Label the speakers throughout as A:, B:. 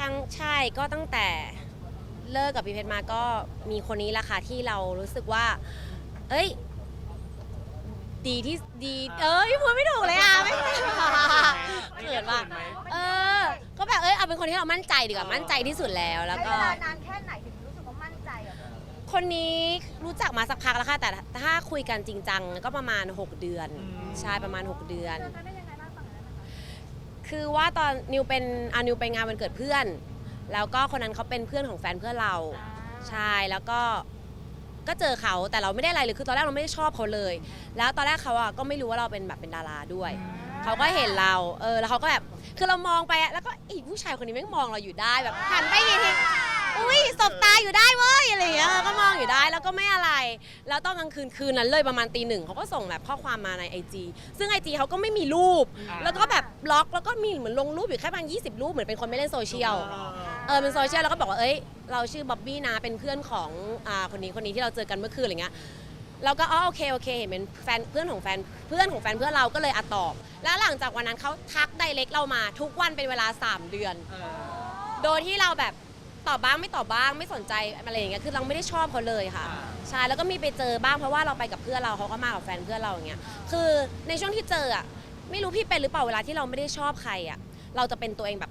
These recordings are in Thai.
A: รั้งใช่ก็ตั้งแต่เลิกกับพี่เพชรมาก็มีคนนี้แหละค่ะที่เรารู้สึกว่าเอ้ยดีที่ดีพูดไม่ถูกเลยอ่ะไม่เกิดว่าก็แบบเอาเป็นคนที่เรามั่นใจดีกว่ามั่นใจที่สุดแล้วแล้วก็
B: ใช้เวลานานแค่ไหนถึงรู้สึกว่ามั่นใจอะ
A: คนนี้รู้จักมาสักพักแล้วค่ะแต่ถ้าคุยกันจริงจังก็ประมาณ6เดือนใช่ประมาณ6เดือน
B: เจอกันได้ยังไงบ้างฝั่งนั้นนะคะ
A: คือว่าตอนนิวไปงานวันเกิดเพื่อนแล้วก็คนนั้นเขาเป็นเพื่อนของแฟนเพื่อนเราใช่แล้วก็เจอเขาแต่เราไม่ได้อะไรเลยคือตอนแรกเราไม่ได้ชอบเขาเลยแล้วตอนแรกเขาก็ไม่รู้ว่าเราเป็นแบบเป็นดาราด้วยเขาก็เห็นเราแล้วเขาก็แบบคือเรามองไปแล้วก็อีผู้ชายคนนี้แม่งมองเราอยู่ได้แบบหันไปอีกทีอุ้ยสบตาอยู่ได้เว้ยอะไรอย่างเงี้ยก็มองอยู่ได้แล้วก็ไม่อะไรแล้วตอนกลางคืนนั้นเลยประมาณตี 1เขาก็ส่งแบบข้อความมาใน IG ซึ่ง IG เขาก็ไม่มีรูปแล้วก็แบบบล็อกแล้วก็มีเหมือนลงรูปอยู่แค่ประมาณ20 รูปเหมือนเป็นคนไม่เล่นโซเชียลเป็นโซเชียลแล้วก็บอกว่าเราชื่อบ๊อบบี้นะเป็นเพื่อนของคนนี้ที่เราเจอกันเมื่อคืนอะไรเงี้ยเราก็โอเคเห็นเป็นแฟนเพื่อนของแฟนเพื่อนเราก็เลยตอบแล้วหลังจากวันนั้นเขาทักไดเรกเรามาทุกวันเป็นเวลา3 เดือนโดยที่เราแบบตอบบ้างไม่ตอบบ้างไม่สนใจอะไรอย่างเงี้ยคือเราไม่ได้ชอบเขาเลยค่ะใช่แล้วก็มีไปเจอบ้างเพราะว่าเราไปกับเพื่อนเราเขาก็มากับแฟนเพื่อนเราอย่างเงี้ยคือในช่วงที่เจอไม่รู้พี่เป็นหรือเปล่าเวลาที่เราไม่ได้ชอบใครเราจะเป็นตัวเองแบบ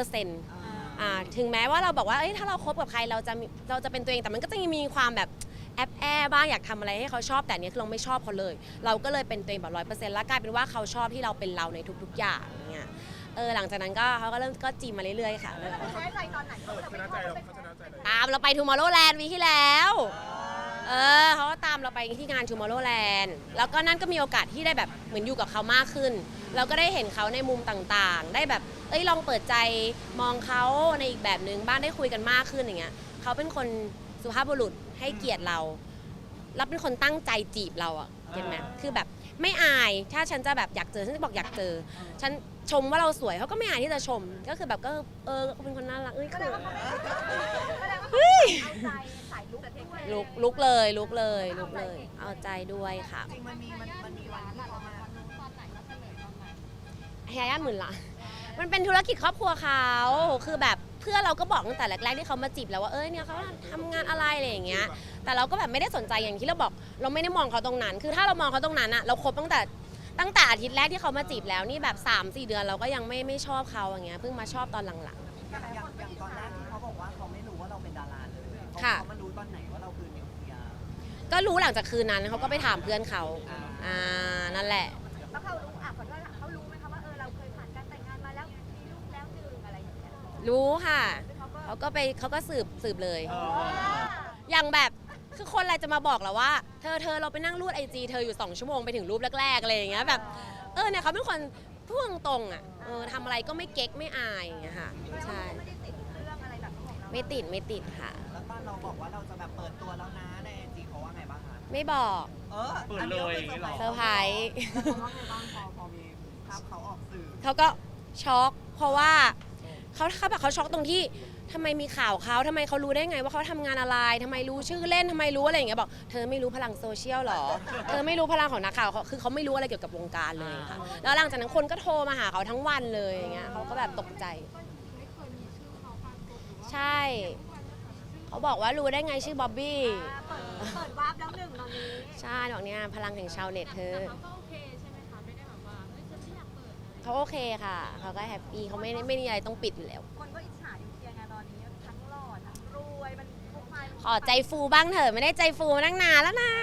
A: 100%ถึงแม้ว่าเราบอกว่าถ้าเราคบกับใครเราจะเป็นตัวเองแต่มันก็จะมีความแบบแอบบ้างอยากทำอะไรให้เขาชอบแต่เนี้ยคือเราไม่ชอบเขาเลยเราก็เลยเป็นตัวเองแบบ100%แล้วกลายเป็นว่าเขาชอบที่เราเป็นเราในทุกๆอย่างเงี้ยหลังจากนั้นก็เขาก็เริ่มก็จีบมาเรื่อยๆค่ะ
B: ใช้ใจตอนไหนเขาจะไม่ชอบเขาเป็น
A: ตามเราไป Tomorrowland วีที่แล้วเขาก็ตามเราไปที่งาน Tomorrowland แล้วก็นั่นก็มีโอกาสที่ได้แบบเหมือนอยู่กับเขามากขึ้นเราก็ได้เห็นเขาในมุมต่างๆได้แบบลองเปิดใจมองเขาในอีกแบบหนึ่งบ้างได้คุยกันมากขึ้นอย่างเงี้ยเขาเป็นคนสุภาพบุรุษให้เกียรติเราแล้วเป็นคนตั้งใจจีบเราเห็นไหมคือแบบไม่อายถ้าฉันจะแบบอยากเจอฉันจะบอกอยากเจอฉันชมว่าเราสวยเขาก็ไม่อายที่จะชมก็คือแบบก็เป็นคนน่ารักคือ
B: เอาใจสายลุกแต่เทค
A: ลุกเลยเอาใจด้วยค่ะ
C: จริงมันมีวันที่เขามา
A: ให้ญาติหมื่นละมันเป็นธุรกิจครอบครัวเขาคือแบบเพื่อนเราก็บอกตั้งแต่แรกๆที่เขามาจีบแล้วว่าเนี่ยเขาทำงานอะไรอะไรอย่างเงี้ยแต่เราก็แบบไม่ได้สนใจอย่างที่เราบอกเราไม่ได้มองเขาตรงนั้นคือถ้าเรามองเขาตรงนั้นเราคบตั้งแต่อาทิตย์แรกที่เขามาจีบแล้วนี่แบบ 3-4 เดือนเราก็ยังไม่ชอบเขาอย่างเงี้ยเพิ่งมาชอบตอนหลัง
C: อย่างตอนแรกที่เขาบอกว่าเขาไม่รู้ว่าเราเป็นดาราเลยเขามารู้ตอนไหนว่าเราคือนิวเคลียร์
A: ก็รู้หลังจากคืนนั้นเขาก็ไปถามเพื่อนเขานั่นแหละ
B: แล้วเขารู้ขอโทษค่ะเขารู้ไหมคะว่าเราเคยผ่านการแต่งงานมาแล้วมีลูกแล้ว1อะไรอย่างเงี้ย
A: รู้ค่ะเขาก็สืบเลยอย่างแบบคือคนอะไรจะมาบอกเราว่าเธอเราไปนั่งรูดIGเธออยู่2 ชั่วโมงไปถึงรูปแรกๆอะไรอย่างเงี้ยแบบเนี่ยเขาเป็นคนพูดตรงทำอะไรก็ไม่เก๊กไม่อายอย่างเงี้ยค่ะใช่
B: ไม่ได้ติดเรื่องอะไรแบบของเรา
A: ไม่ติดค่ะ
C: แล้วตอนเราบอกว่าเราจะแบบเปิดตัวแล้วนะในIGเขาว่าไงบ้างคะ
A: ไม่บอก
C: เปิดเลย
A: เซอร์ไพรส์
C: เขาว่าไงบ้างพอมีภาพเขาออกสื่อ
A: เขาก็ช็อกเพราะว่าเขาแบบเขาช็อกตรงที่ทำไมมีข่าวเขาทำไมเขารู้ได้ไงว่าเขาทำงานอะไรทำไมรู้ชื่อเล่นทำไมรู้อะไรอย่างเงี้ยบอกเธอไม่รู้พลังโซเชียลหรอเธอไม่รู้พลังของนักข่าวคือเขาไม่รู้อะไรเกี่ยวกับวงการเลยค่ะแล้วหลังจากนั้นคนก็โทรมาหาเขาทั้งวันเลยอย่างเงี้ยเขาก็แบบตกใจใช่เขาบอกว่ารู้ได้ไงชื่อบ๊อบบี้
B: เปิดวาร์ปแล้ว1ตอนนี้
A: ใช่ดอกเนี้ยพลังแห่งชาวเน็ตเธอ
D: เขาก็โอเคใช่ไหมคะไม่ได้แบบว่าฉันไม่อยากเปิด
A: เขาโอเคค่ะเขาก็แฮปปี้เขาไม่มีอะไรต้องปิดอยู่แล้ว
B: คนก็อิจฉานิวเคลียร์ไงตอนนี้ทั้งหล่อทั้งรวยมันพวก
A: ขอใจฟูบ้างเถอะไม่ได้ใจฟูมาตั้งนานแล้วนะ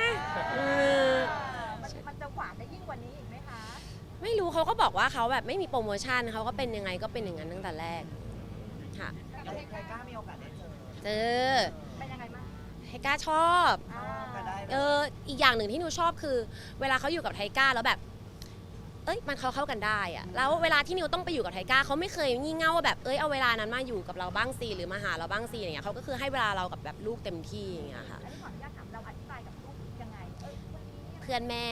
B: มันจะหวานได้ยิ่งกว่านี้อีกไหมคะ
A: ไม่รู้เขาก็บอกว่าเขาแบบไม่มีโปรโมชั่นเขาก็เป็นยังไงก็เป็นอย่างนั้นตั้งแต่แรกค่ะ
C: ใครกล้ามีโอกาสได้
A: เจอ
B: เป็นยังไงบ้าง
A: ไทก้าชอบอีกอย่างหนึ่งที่หนูชอบคือเวลาเขาอยู่กับไทก้าแล้วแบบมันเข้ากันได้แล้วเวลาที่นิวต้องไปอยู่กับไทก้าเขาไม่เคยงี่เง่าว่าแบบเอาเวลานั้นมาอยู่กับเราบ้างสิหรือมาหาเราบ้างสิอย่างเงี้ยเขาก็คือให้เวลาเรากับแบบลูกเต็มที่อย่างเงี้ยค่ะ
B: ขออนุญาตถามเราอธิบายกับลูกยังไง
A: เพื่อนแม่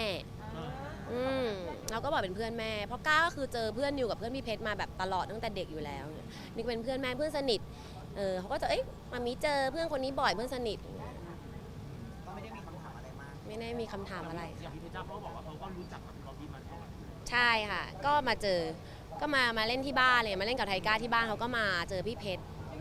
A: เราก็บอกเป็นเพื่อนแม่เพราะก้าก็คือเจอเพื่อนนิวกับเพื่อนพี่เพชรมาแบบตลอดตั้งแต่เด็กอยู่แล้วนี่เป็นเพื่อนแม่เพื่อนสนิทเขาก็จะมามีเจอเพื่อนคนนี้บ่อยเพื่อนสนิท
C: ก็ไม่ได้มีคำถามอะไรมาก
A: ไม่ได้มีคำถามอะไร
D: อย่างพี่เพชรจ้าเขาบอกว่าเขาก็รู้จักกับบ๊อบบี้มาก่อน
A: ใช่ค่ะก็มาเจอก็มาเล่นที่บ้านเลยมาเล่นกับไทก้าที่บ้านเขาก็มาเจอพี่เพชร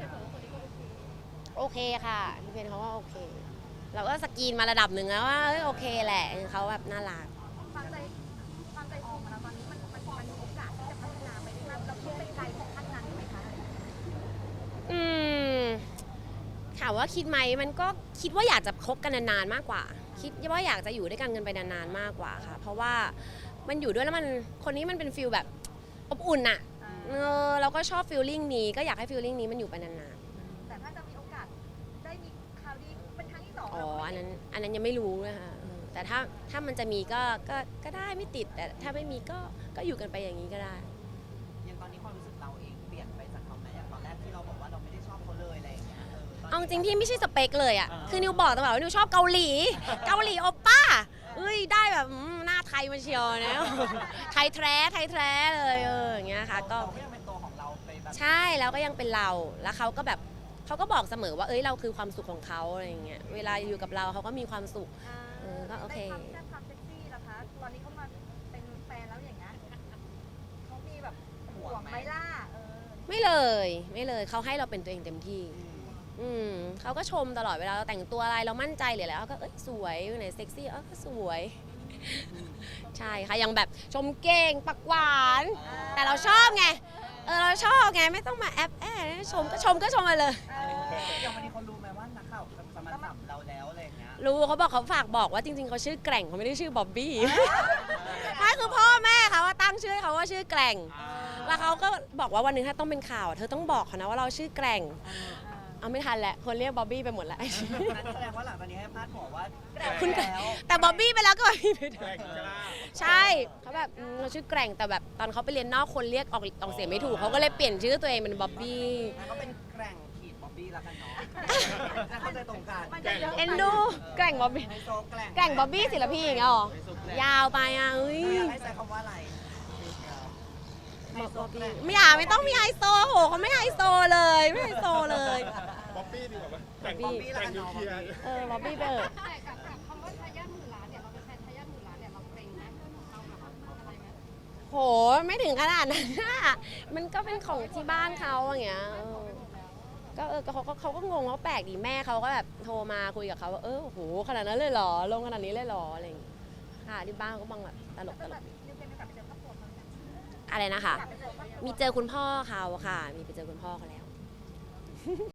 A: โอเคค่ะพี่เพนเขาก็โอเค เราก็สกรีนมาระดับหนึ่งแล้วว่าเอ้ยโอเคแหละเขาแบบน่ารัก
B: ความใจฟูของเราตอนนี้มันมีโอกาสที่จะพัฒนาไปได้มากเราคิดไปไกลถึงขั้นนั้นไหมคะ
A: อืมถามว่าคิดไหมมันก็คิดว่าอยากจะคบกันนานๆมากกว่า คิดว่าอยากจะอยู่ด้วยกันไปนานๆมากกว่าค่ะ เพราะว่ามันอยู่ด้วยแล้วมันคนนี้มันเป็นฟิลแบบอบอุ่นอะเราก็ชอบฟิลลิ่งนี้ก็อยากให้ฟิลลิ่งนี้มันอยู่ไปนาน
B: แต่ถ้าจะมีโอกาสได้มีข่าวดีเป็นครั้งที่สอง
A: ๆอ๋ออันนั้นยังไม่รู้นะคะแต่ถ้ามันจะมีก็ได้ไม่ติดแต่ถ้าไม่มีก็อยู่กันไปอย่างนี้ก็ได้
C: อย่างตอนนี้ความรู้สึกเราเองเปลี่ยนไปจากเขาไหมอย่างตอนแรกที่เราบอกว่าเราไม่ได้ชอบเขาเลยอะไรอย่างเงี้ยตนนี้
A: เอาจริงพี่ไม่ใช่สเปคเลยอ่ะ คือนิวบอกตลอดว่านิวชอบเกาหลี เกาหลีโอป้าเอ้ยได้แบบหน้าไทยมาเชียวนะ ไทยแท้เลยอย่างเงี้ยค่ะก็
C: เราก็ยังเป็นตัวของเราไปแบบ
A: ใช่แล้วก็ยังเป็นเราแล้วเขาก็แบบเขาก็บอกเสมอว่าเอ้ยเราคือความสุขของเขาอะไรอย่างเงี้ยเวลาอยู่กับเราเขาก็มีความสุข ก็โอเค
B: ได้ความเซ็กซี่ล่ะคะตอนนี้เขามาเป็นแฟนแล้วอย่างเงี้ยเขามีแบบห่วงไหมล่ะ
A: ไม่เลยเขาให้เราเป็นตัวเองเต็มที่
C: อืม
A: เขาก็ชมตลอดเวลาเราแต่งตัวอะไรเรามั่นใจหรืออะไรเขาก็เอ้ยสวยไหนเซ็กซี่ก็สวย ใช่ค่ะยังแบบชมเก่งปักหวาน แต่เราชอบไงเราชอบไงไม่ต้องมาแอบชมก็ชมมาเลย
C: อย่างวันนี้เขารู้ไหมว่านักข่าวจะมาสัมเราแล้วอะไรอย่างเงี้ย
A: รู้เขาบอกเขาฝากบอกว่าจริงๆเขาชื่อแกร่งเขาไม่ได้ชื่อบ๊อบบี้ ไม่คือพ่อแม่เขาว่าตั้งชื่อให้เขาว่าชื่อแกร่ง แล้วเขาก็บอกว่าวันหนึงถ้าต้องเป็นข่าวเธอต้องบอกเขานะว่าเราชื่อแกร่ง เอาไม่ทันแล้วคนเรียกบ๊อบบี้ไปหมดแล้ว
C: นั้นแสดงว่าหลังจากนี้ให้พาดหัวว่า
A: คุณ
C: แล้ว
A: แต่บ๊อบบี้ไปแล้วก็บ๊อบบี้ไปด้วย
D: แกร่งกล้า
A: ใช่เขาแบบเราชื่อแกร่งแต่แบบตอนเขาไปเรียนนอกคนเรียกออกเสียงไม่ถูกเขาก็เลยเปลี่ยนชื่อตัวเองเป็นบ๊อบบี้
C: งั้นก็เป็นแกร่งขีดบ๊อบบี้แล้วกันเนาะแล้วเข้าใจตรงกัน
A: เอ็นดูแกร่งบ๊อบบี้
C: ไฮโซแกร่ง
A: แกร่งบ๊อบบี้ศิลปินอย่างเงี้ยหรอ ยาวไปอ่ะอุ้ย
C: อยากให้ใช้คำว่าอะไรไฮโซแกร่ง
A: ไม่ต้องมีไฮโซโหเขาไม่ไฮโซเลยไม่ไฮโซเลย
D: ป๊อปปี้ดีกว่าไหมแต่ง
C: บ๊อบบี้แล้วกันเนาะ
D: เคลียร์
A: บ๊อบบี้ไปเถอะ
B: แต่กับคำว่าทายาทหมื่นล้านเนี่ยเราเป็นแฟนทายาทหมื่นล้านเนี่ยเราเกรงไหมเราแบบอะไรไหม
A: โหไม่ถึงขนาดนั้นอะมันก็เป็นของที่บ้านเขาอย่างเงี้ยก็เขาก็งงเขาแปลกดีแม่เขาก็แบบโทรมาคุยกับเขาว่าโหขนาดนั้นเลยเหรอลงขนาดนี้เลยเหรออะไรอย่างเงี้ยค่ะที่บ้านเขาก็บังแบบตลก
B: นิวเคยมีโอกาสไปเจอครอบครัวเขาไหม
A: อะไรนะคะ
B: อยากไปเจอครอบครัว
A: มีเจอคุณพ่อเขาค่ะ มีไปเจอคุณพ่อเขาแล้ว